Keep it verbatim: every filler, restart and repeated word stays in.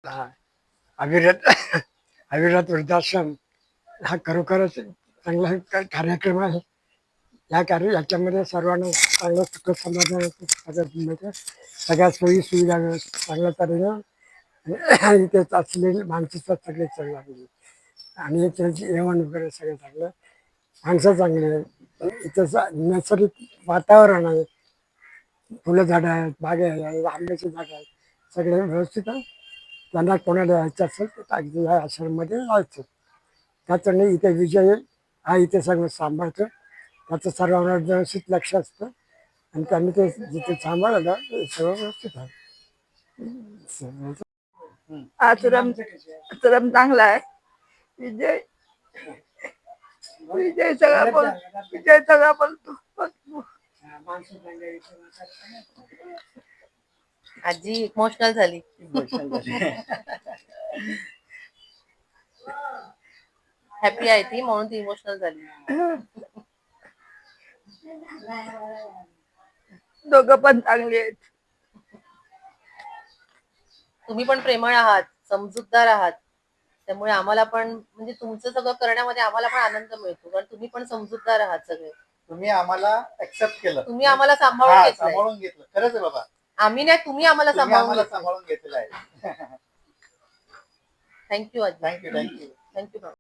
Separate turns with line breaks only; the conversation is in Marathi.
हा, अविरत अविरत वृद्धाश्रम हा खरोखरच चांगला क- कार्यक्रम आहे. या कार्य याच्यामध्ये सर्वांना चांगलं सुख समाधान सगळं मिळतं. सगळ्या सोयी सुविधा व्यवस्थित चांगल्या तऱ्हेनं आणि इथे असलेली माणसं सगळे चांगली आणि त्यांची जेवण वगैरे सगळं चांगलं. माणसं चांगली आहे. इथं स- नैसर्गिक वातावरण आहे. फुलं झाडं आहेत, बागे आहेत, आंब्याची झाडं आहेत, सगळे व्यवस्थित आहे. त्यांना कोणाला यायचं असेल तर अगदी या आश्रममध्ये जायचं. त्याचं नाही इथे विजय हा इथे सगळं सांभाळतो. त्याचं सर्वांवर व्यवस्थित लक्ष असतं आणि त्यांनी ते जिथे सांभाळलं ना ते सगळं व्यवस्थित आहे.
आश्रम आश्रम चांगला आहे. विजय विजय सगळा बोल विजय सगळा बोलतो बोलतो.
आजी इमोशनल झाली. हॅपी आहे ती म्हणून ती इमोशनल झाली.
दोघं पण चांगले आहेत.
तुम्ही पण प्रेमळ आहात, समजूतदार आहात. त्यामुळे आम्हाला पण म्हणजे तुमचं सगळं करण्यामध्ये आम्हाला पण आनंद मिळतो कारण तुम्ही पण समजूतदार आहात सगळे.
तुम्ही आम्हाला ऍक्सेप्ट केलं,
तुम्ही आम्हाला सांभाळून
हा,
घेतलंय.
सांभाळून घेतलं. खरंच आहे बाबा,
आम्ही नाही तुम्ही आम्हाला
तुम्ही
सांभाळून
आम्हाला
घेतलंय.
सांभाळून घेतलेलं आहे.
थँक्यू आजी.
Thank you thank you
thank you.